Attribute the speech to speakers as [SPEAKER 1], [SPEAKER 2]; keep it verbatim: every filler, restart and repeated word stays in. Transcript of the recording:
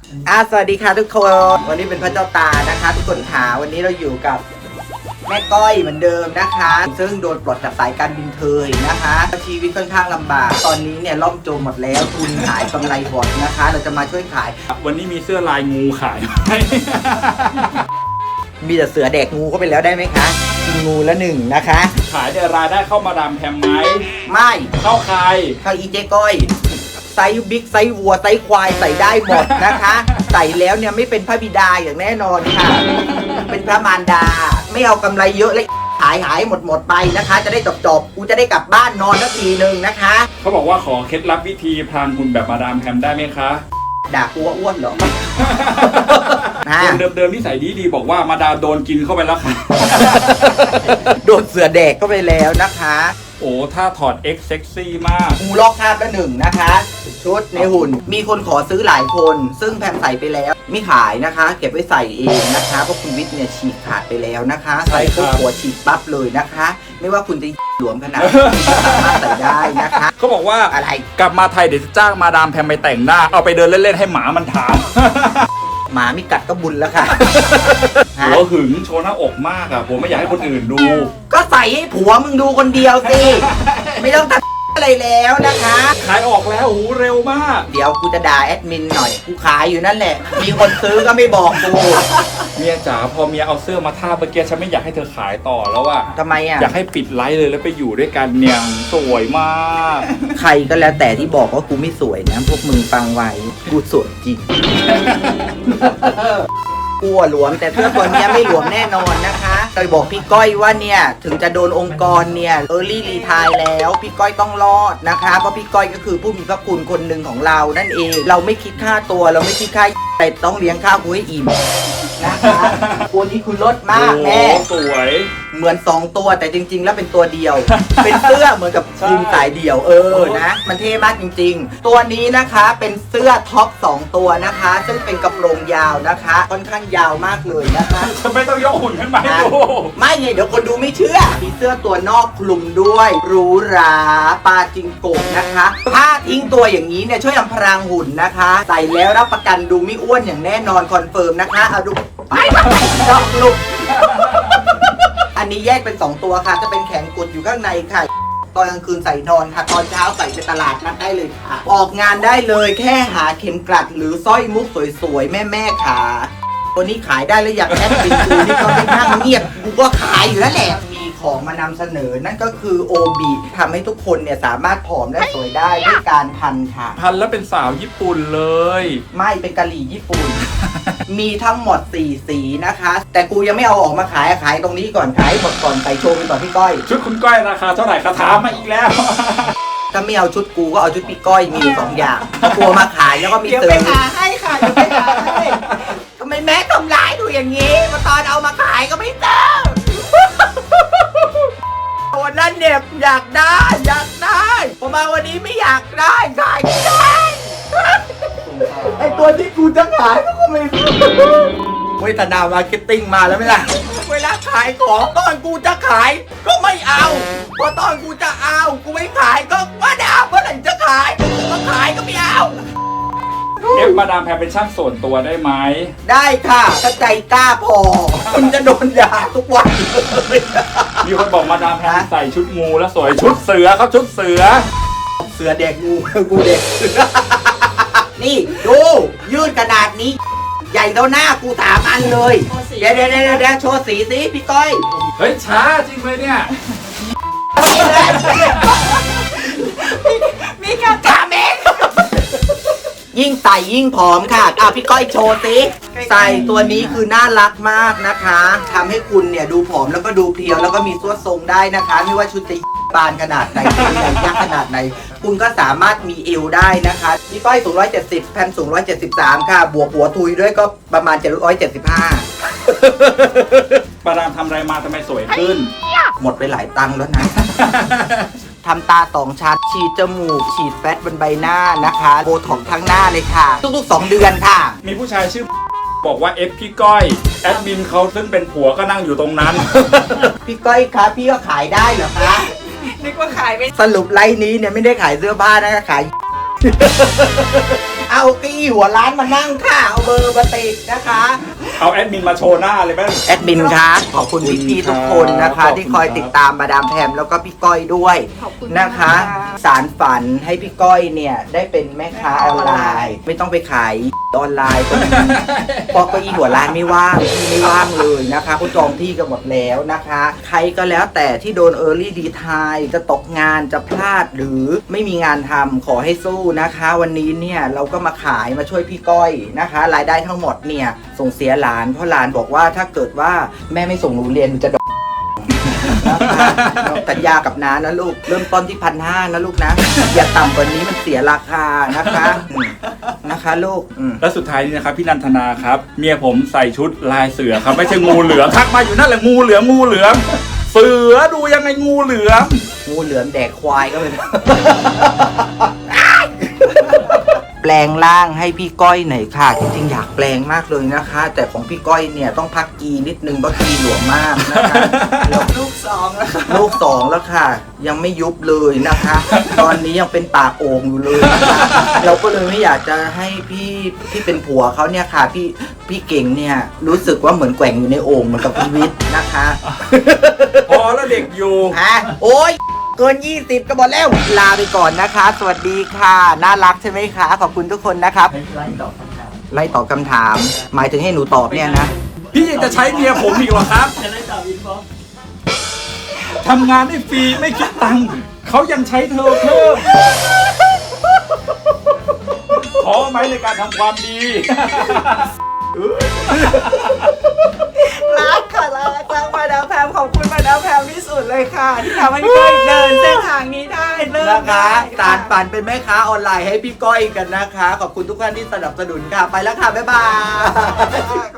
[SPEAKER 1] อ่ะสวัสดีค่ะทุกคน วันนี้เป็นพระเจ้าตานะคะทุกคนขาวันนี้เราอยู่กับแม่ก้อยเหมือนเดิมนะคะ ซึ่งโดนปลดจากสายการบินเทยนะคะชีวิตค่อนข้างลำบากตอนนี้เนี่ยล่มจมหมดแล้วทุนขายกำไรหดนะคะ เราจะมาช่วยขาย
[SPEAKER 2] วันนี้มีเสื้อลายงูขายไหม
[SPEAKER 1] มีแต่เสือแดกงูเข้าไปแล้วได้ไหมคะกินงูละหนึ่งนะคะ
[SPEAKER 2] ขายเนี่ยรายได้เข้ามาดามแพมไหม
[SPEAKER 1] ไม่
[SPEAKER 2] เข้าใคร
[SPEAKER 1] เข้าอีเจ๊ก้อยไซส์บิ๊กไซส์วัวไซส์ควายใส่ได้หมดนะคะ ใส่แล้วเนี่ยไม่เป็นพระบิดาอย่างแน่นอนค่ะ เป็นพระมารดาไม่เอากำไรเยอะเลยขายหายหมดหมดไปนะคะ จะได้จบจบกูจะได้กลับบ้านนอนสักทีหนึ่งนะคะ
[SPEAKER 2] เขาบอกว่าขอเคล็ดลับวิธีพรางหุ่นแบบมาดามแพมได้ไหมคะ
[SPEAKER 1] ด่ากูว่าอ้วนเหรอ
[SPEAKER 2] คนเดิมๆที่ใส่ดีดีบอกว่ามาดามโดนกินเข้าไปแล้วค่ะ
[SPEAKER 1] โดนเสือแดกเข้าไปแล้วนะคะ
[SPEAKER 2] โอ้ถ้าถอด X เซ็กซี่มาก
[SPEAKER 1] กูลอกคราบละหนึ่งนะคะ ชุดในหุ่นมีคนขอซื้อหลายคน ซึ่งแพมใส่ไปแล้วไม่ขายนะคะ เก็บไว้ใส่เองนะคะเพราะคุณวิทย์เนี่ยฉีกขาดไปแล้วนะคะ
[SPEAKER 2] ใช่
[SPEAKER 1] ใส่
[SPEAKER 2] ครับ
[SPEAKER 1] ปุ๊บหัวฉีกปั๊บเลยนะคะ ไม่ว่าคุณจะหลวมขนาดไหนสามารถใส่ได้นะคะ
[SPEAKER 2] เขาบอกว่า
[SPEAKER 1] อะไร
[SPEAKER 2] กลับมาไทยเดี๋ยวจะจ้างมาดามแพมไปแต่งหน้า เอาไปเดินเล่นๆให้หมามันถาม
[SPEAKER 1] หมาไม่กัดก็บุญแล้วค่ะ
[SPEAKER 2] หัวหึงโชว์หน้าอกมากอะผมไม่อยากให้คนอื่นดู
[SPEAKER 1] ก็ใส่ให้ผัวมึงดูคนเดียวสิ ไม่ต้องตัดอะไรแล้วนะคะ
[SPEAKER 2] ขายออกแล้วโอ้โหเร็วมาก
[SPEAKER 1] เดี๋ยวกูจะด่าแอดมินหน่อย กูขายอยู่นั่นแหละ มีคนซื้อก็ไม่บอกกู
[SPEAKER 2] เมียจ๋าพอเมียเอาเสื้อมาท่าเมื่อกี้ฉันไม่อยากให้เธอขายต่อแล้วอะ
[SPEAKER 1] ทำไมอ่ะ
[SPEAKER 2] อยากให้ปิดไลฟ์เลยแล้วไปอยู่ด้วยกันเนี่ยสวยมาก
[SPEAKER 1] ใครก็แล้วแต่ที่บอกว่ากูไม่สวยนะ พวกมึงฟังไว้ กูสวยจริง กลัวหลวมแต่เสื้อตัวเนี้ยไม่หลวมแน่นอนนะคะเคยบอกพี่ก้อยว่าเนี่ยถึงจะโดนองค์กรเนี่ยเออร์ลี่รีไทร์แล้วพี่ก้อยต้องรอดนะคะเพราะพี่ก้อยก็คือผู้มีพระคุณคนหนึ่งของเรานั่นเอง เราไม่คิดค่าตัวเราไม่คิดค่าแต่ต้องเลี้ยงข้าวกูให้อิ่มนะคะตัวนี้คุณลดมากแม่
[SPEAKER 2] โอ้สวย
[SPEAKER 1] เหมือนสองตัวแต่จริง ๆ แล้วเป็นตัวเดียว เป็นเสื้อเหมือนกับ
[SPEAKER 2] ใช่
[SPEAKER 1] ยิงสายเดี่ยวเออนะมันเท่มากจริง ๆ ตัวนี้นะคะเป็นเสื้อท็อปสองตัวนะคะ ซึ่งเป็นกระโปรงยาวนะคะ ค่อนข้างยาวมากเลยนะคะ
[SPEAKER 2] ฉันไม่ต้องยกหุ่นขึ้นมาให้ดู
[SPEAKER 1] ไม่ไงเดี๋ยวคนดูไม่เชื่อ มีเสื้อตัวนอกคลุมด้วยหรูหราปาจิงโกะนะคะถ้าทิ้งตัวอย่างนี้เนี่ยช่วยอำพรางหุ่นนะคะ ใส่แล้วรับประกันดูไม่อ้วนอย่างแน่นอนคอนเฟิร์มนะคะเอาดูไปไปดอกลุก อันนี้แยกเป็นสองตัวค่ะ จะเป็นแขนกุดอยู่ข้างในค่ะ ตอนกลางคืนใส่นอนค่ะ ตอนเช้าใส่ไปตลาดนัดได้เลยค่ะ ออกงานได้เลยแค่หาเข็มกลัดหรือสร้อยมุกสวยๆ แม่ๆค่ะตัวนี้ขายได้แล้วอยากแอดเป็นกูนี่ก็ไม่นั่งเงียบกูก็ขายอยู่แล้วแหละ มีของมานำเสนอนั่นก็คือโอบีทำให้ทุกคนเนี่ยสามารถผอมและสวยได้ด้วยการพันค่ะ
[SPEAKER 2] พันแล้วเป็นสาวญี่ปุ่นเลย
[SPEAKER 1] ไม่เป็นกะหรี่ญี่ปุ่น มีทั้งหมดสี่สีนะคะ แต่กูยังไม่เอาออกมาขายขายตรงนี้ก่อนขายหมดก่อนใส่โชว์ไปก่อนพี่ก้อย
[SPEAKER 2] ชุดคุณก้อยราคาเท่าไหร่คะถามมาอีกแล้ว
[SPEAKER 1] ถ้าไม่เอาชุดกูก็เอาชุดพี่ก้อยมีอยู่สองอย่างถ้ากลัวมาขายแล้วก็มี
[SPEAKER 3] เดี๋ยว
[SPEAKER 1] เติ
[SPEAKER 3] ไป
[SPEAKER 1] ม
[SPEAKER 3] หาให้ค่ะเดี๋ยวไปหาให้
[SPEAKER 1] ทำไมแม่ทำร้ายดูอย่างนี้มาตอนเอามาขายก็ไม่เติมวันนั้นเนี่ยอยากได้อยากได้พอมาวันนี้ไม่อยากได้ขายไม่ได้ไอตัวที่กูจะขายก็ไม่รู้เวทนามาร์เก็ตติ้งมาแล้วไหมล่ะเวลาขายของตอนกูจะขายก็ไม่เอาพอตอนกูจะเอากูไม่ขายก็ว่าเดี๋ยวเมื่อไหร่จะขายก็ขายก็ไม่เอา
[SPEAKER 2] เอฟมาดามแพมเป็นช่างส่วนตัวได้ไหม
[SPEAKER 1] ได้ค่ะถ้าใจกล้าพอคุณจะโดนด่าทุกวันเลย
[SPEAKER 2] มีคนบอกมาดามแพมใส่ชุดงูแล้วสวยชุดเสือครับชุดเสือ
[SPEAKER 1] เสือเด็กงูกูเด็กเสือนี่ดูยืดขนาดนี้ ใหญ่เท่าหน้ากูสามอันเลยเดี๋ยวเดี๋ยวเดี๋ยวเดี๋ยวโชว์สีสิพี่ก้อย
[SPEAKER 2] เฮ้ยช้าจริงเลยเนี่ย
[SPEAKER 3] มีการ
[SPEAKER 1] กาเมงยิ่งใส่ยิ่งผอมค่ะอ่ะพี่ก้อยโชว์สิใส่ตัวนี้คือน่ารักมากนะคะทำให้คุณเนี่ยดูผอมแล้วก็ดูเพรียวแล้วก็มีสวดทรงได้นะคะ ไม่ว่าชุดจะบานขนาดไหนเป็นใหญ่ยักษ์ขนาดไหนคุณก็สามารถมีเอวได้นะคะพี่ก้อยสูงหนึ่งร้อยเจ็ดสิบแพมสูงหนึ่งร้อยเจ็ดสิบสามค่ะ บวกหัวทุยด้วยก็ประมาณเจ็ดร้อยเจ็ดสิบห้า
[SPEAKER 2] มาดามทำอะไรมาทำไมสวยขึ้น
[SPEAKER 1] หมดไปหลายตังค์แล้วนะ ทำตาสองชั้นฉีดจมูก ฉีดแฟตบนใบหน้านะคะโบท็อกซ์ทั้งหน้าเลยค่ะ ทุกๆสองเดือนค่ะ
[SPEAKER 2] มีผู้ชายชื่อบอกว่าเอฟพี่ก้อยแอดมินเขาซึ่งเป็นผัวก็นั่งอยู่ตรงนั้น
[SPEAKER 1] พี่ก้อยคะพี่ก็ขายได้เหรอคะ
[SPEAKER 3] นึกว่าขายไม่
[SPEAKER 1] สรุปไลน์นี้เนี่ยไม่ได้ขายเสื้อผ้านะคะขาย เอาเกี้อี้หัวร้านมานั่งค่ะเอาเบอร์มาติดนะคะ
[SPEAKER 2] เอาแอดมินมาโชว์หน้าเลยแม่ง
[SPEAKER 1] แอดมินคะขอบคุณพี่ๆทุกคนนะคะ
[SPEAKER 2] ขอบคุณครับ
[SPEAKER 1] ที่คอยติดตามมาดามแพมแล้วก็พี่ก้อยด้วย
[SPEAKER 3] ขอบคุณ
[SPEAKER 1] นะคะ สารฝันให้พี่ก้อยเนี่ยได้เป็นแม่ค้าออนไลน์ ไม่ต้องไปขายออนไลน์ก็ดีเพราะเก็อีหัวร้านไม่ว่างที่ไม่ว่างเลยนะคะเขาจองที่กันหมดแล้วนะคะ ใครก็แล้วแต่ที่โดน Early Retire จะตกงานจะพลาดหรือไม่มีงานทำขอให้สู้นะคะ วันนี้เนี่ยเราก็มาขายมาช่วยพี่ก้อยนะคะ รายได้ทั้งหมดเนี่ยส่งเสียหลานเพราะหลานบอกว่าถ้าเกิดว่าแม่ไม่ส่งหนูเรียนหนูจะ นะคะสัญญากับน้านะลูกเริ่มต้นที่พันห้านะลูกนะ อย่าต่ำกว่านี้มันเสียราคานะคะอืมนะคะลูกอืม
[SPEAKER 2] และสุดท้ายนี้นะครับพี่นันทนาครับเมียผมใส่ชุดลายเสือครับไม่ใช่งูเหลือมทักมาอยู่นั่นแหละงูเหลือมงูเหลือมเสือดูยังไงงูเหลือม
[SPEAKER 1] งูเหลือมแดกควายก็เป็น แปลงร่างให้พี่ก้อยหน่อยค่ะจริงๆอยากแปลงมากเลยนะคะ แต่ของพี่ก้อยเนี่ยต้องพักกีนิดนึงเพราะกีหลวมมากนะคะแล้ว
[SPEAKER 3] ลูกสองแล้วค่ะ
[SPEAKER 1] ลูกสองแล้วค่ะ ยังไม่ยุบเลยนะคะ ตอนนี้ยังเป็นปากโอ่งอยู่เลยนะคะเราก็เลยไม่อยากจะให้พี่ที่เป็นผัวเขาเนี่ยค่ะ พี่พี่เก่งเนี่ยรู้สึกว่าเหมือนแกว่งอยู่ในโอ่งเหมือนกับพีวิทย์นะคะ
[SPEAKER 2] พอแล้วเด็กอยู่
[SPEAKER 1] ฮะโอ้ยเกินยี่สิบก็บอกแล้วลาไปก่อนนะคะ สวัสดีค่ะ น่ารักใช่ไหมคะ ขอบคุณทุกคนนะครับ ไล่ตอบคำถามไล่ตอบคำถาม หมายถึงให้หนูตอบเนี่ยนะ
[SPEAKER 2] พี่ยังจะใช้เมียผมอีกเหรอครับทำงานได้ฟรีไม่คิดตังค์เขายังใช้เธอเพิ่มขอไหมในการทำความดี
[SPEAKER 3] รักค่ะรักรักมาดามแพมขอบคุณมาดามแพมที่สุดเลยค่ะ ที่ทำให้ก้อยเดินเส้นทางนี้ได้เริ่ม
[SPEAKER 1] นะคะ
[SPEAKER 3] ได้
[SPEAKER 1] สารฝันเป็นแม่ค้าออนไลน์ให้พี่ก้อยกันนะคะ ขอบคุณทุกท่านที่สนับสนุนค่ะ ไปแล้วค่ะ บ๊ายบาย
[SPEAKER 3] ค่ะ